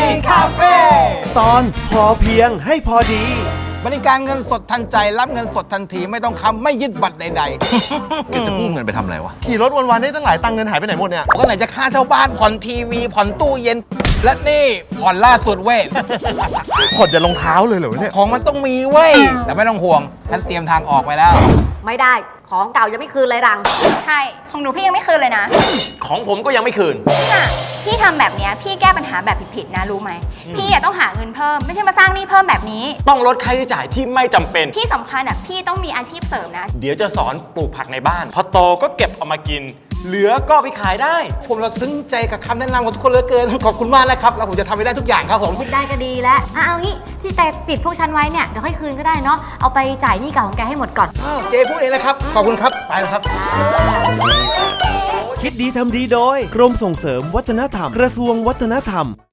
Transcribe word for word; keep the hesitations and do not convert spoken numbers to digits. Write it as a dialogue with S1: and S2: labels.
S1: คาเฟ่
S2: ตอนพอเพียงให้พอดี
S3: บริการเงินสดทันใจรับเงินสดทันทีไม่ต้องค้ำไม่ยึดบัตรใดๆ
S1: แกจะกู้เงินไปทำอะไรวะ
S4: ขี่รถวันๆได้ตั้งหลายตังค์เงินหายไปไหนหมดเนี่ย
S3: ก็ไหนจะค่าเช่าบ้านผ่อนทีวีผ่อนตู้เย็น และนี่ผ่อนล่าสุดเว้ย
S4: ขดจะรองเท้าเลยเหรอเนี่ย
S3: ของมันต้องมีเว้ยแต่ไม่ต้องห่วงฉันเตรียมทางออกไปแล้ว
S5: ไม่ได้ของเก่ายังไม่คืนเลยรัง
S6: ใช่ของหนูพี่ยังไม่คืนเลยนะ
S1: ของผมก็ยังไม่คืน
S6: น่ะพี่ทำแบบเนี้ยพี่แก้ปัญหาแบบผิดๆนะรู้ไหมพี่อะต้องหาเงินเพิ่มไม่ใช่มาสร้างหนี้เพิ่มแบบนี้
S7: ต้องลดค่าใช้จ่ายที่ไม่จำเป็น
S6: ที่สำคัญอ่ะพี่ต้องมีอาชีพเสริมนะ
S7: เดี๋ยวจะสอนปลูกผักในบ้าน พอโตก็เก็บเอามากิน เหลือก็ไปขายได้
S3: ผมเราซึ้งใจกับคำแนะนำของทุกคนเหลือเกินขอบคุณมากนะครับแล้วผมจะทำให้ได้ทุกอย่างครับผม
S5: คิดได้ก็ดีแล้วอ่ะเอางี้ที่แต่ติดพวกฉันไว้เนี่ยเดี๋ยวค่อยคืนก็ได้เนาะเอาไปจ่ายหนี้เก่าของแกให้หมดก่อน
S3: อ้าวเจพูดเองนะครับขอบคุณครับไปแล้วครับ
S2: คิดดีทำดีโดยกรมส่งเสริมวัฒนธรรมกระทรวงวัฒนธรรม